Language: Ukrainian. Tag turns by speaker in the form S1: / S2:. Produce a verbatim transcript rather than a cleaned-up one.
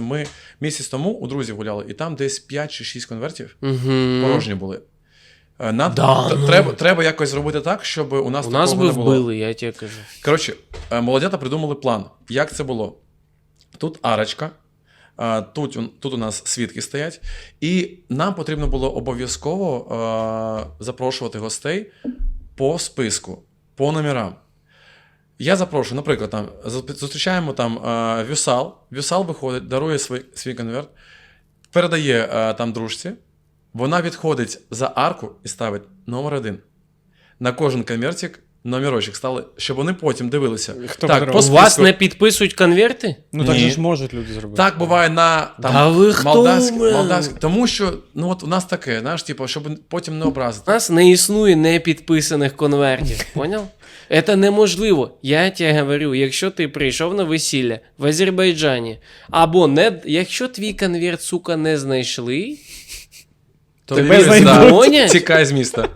S1: ми місяць тому у друзів гуляли, і там десь п'ять чи шість конвертів
S2: Угу.
S1: порожні були. Е, Нам,
S2: Да,
S1: т-
S2: ну.
S1: треба, треба якось зробити так, щоб у нас
S2: У
S1: такого
S2: нас би
S1: не було.
S2: вбили, я тебе кажу.
S1: Коротше, е, молодята придумали план. Як це було? Тут арочка, е, тут, у- тут у нас свідки стоять, і нам потрібно було обов'язково е, запрошувати гостей по списку, по номерам. Я запрошую, наприклад, там, зу- зустрічаємо там е, Вюсал, Вюсал виходить, дарує свій, свій конверт, передає е, там дружці, вона відходить за арку і ставить номер один. На кожен конвертик номерочок стали, щоб вони потім дивилися.
S3: Хто
S1: так,
S3: подарував?
S1: по
S2: У
S1: списку.
S2: вас не підписують конверти?
S3: Ну так
S1: Ні.
S3: же ж можуть люди зробити.
S1: Так буває на там,
S2: Да ви хто,
S1: молдавській,
S2: блин?
S1: молдавській. Тому що ну, от у нас таке, знаєш, типу, щоб потім не
S2: У
S1: образити.
S2: нас не існує непідписаних конвертів, поняв? Це неможливо. Я тебе говорю, якщо ти прийшов на весілля в Азербайджані, або не, якщо твій конверт, сука, не знайшли,
S1: То
S3: Тебе
S1: ліз,
S3: знайдуть.
S1: да,
S2: Понять?
S1: тікай з міста.